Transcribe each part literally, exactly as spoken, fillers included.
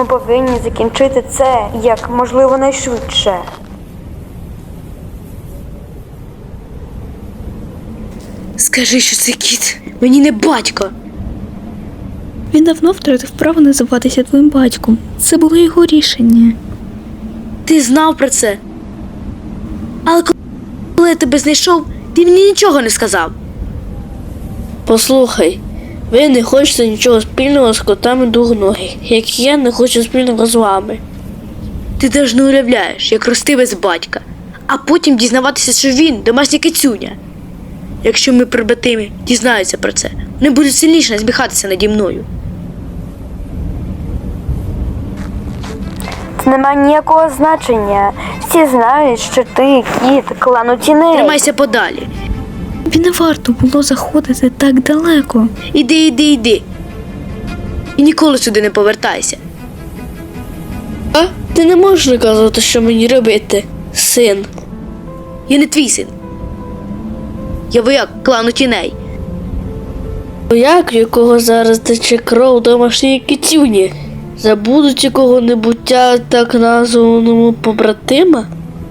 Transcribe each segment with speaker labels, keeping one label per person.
Speaker 1: Ми повинні закінчити це як можливо найшвидше.
Speaker 2: Скажи, що це кіт. Мені не батько.
Speaker 3: Він давно втратив право називатися твоїм батьком. Це було його рішення.
Speaker 2: Ти знав про це. Але коли я тебе знайшов, ти мені нічого не сказав. Послухай, ви не хочете нічого спільного з котами двохногих, як і я не хочу спільного з вами. Ти теж не уявляєш, як рости без батька, а потім дізнаватися, що він домашня кицюня. Якщо ми прибратими дізнаються про це, вони будуть сильніше насміхатися наді мною.
Speaker 1: Це не має ніякого значення. Всі знають, що ти кіт клану тіней.
Speaker 2: Тримайся подалі.
Speaker 3: Тобі не варто було заходити так далеко.
Speaker 2: Іди, іди, іди. І ніколи сюди не повертайся. А? Ти не можеш наказувати, що мені робити, син. Я не твій син. Я вояк клану тіней. Вояк, якого зараз тече кров домашньої кицюні. Забудуть якого-небудь так названому побратима?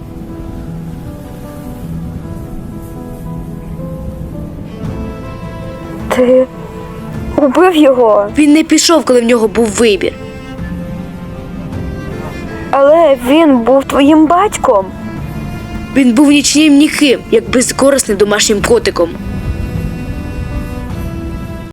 Speaker 1: Ти убив його,
Speaker 2: Він не пішов, коли в нього був вибір.
Speaker 1: але він був твоїм батьком.
Speaker 2: Він був нічним ніким, як безкорисним домашнім котиком.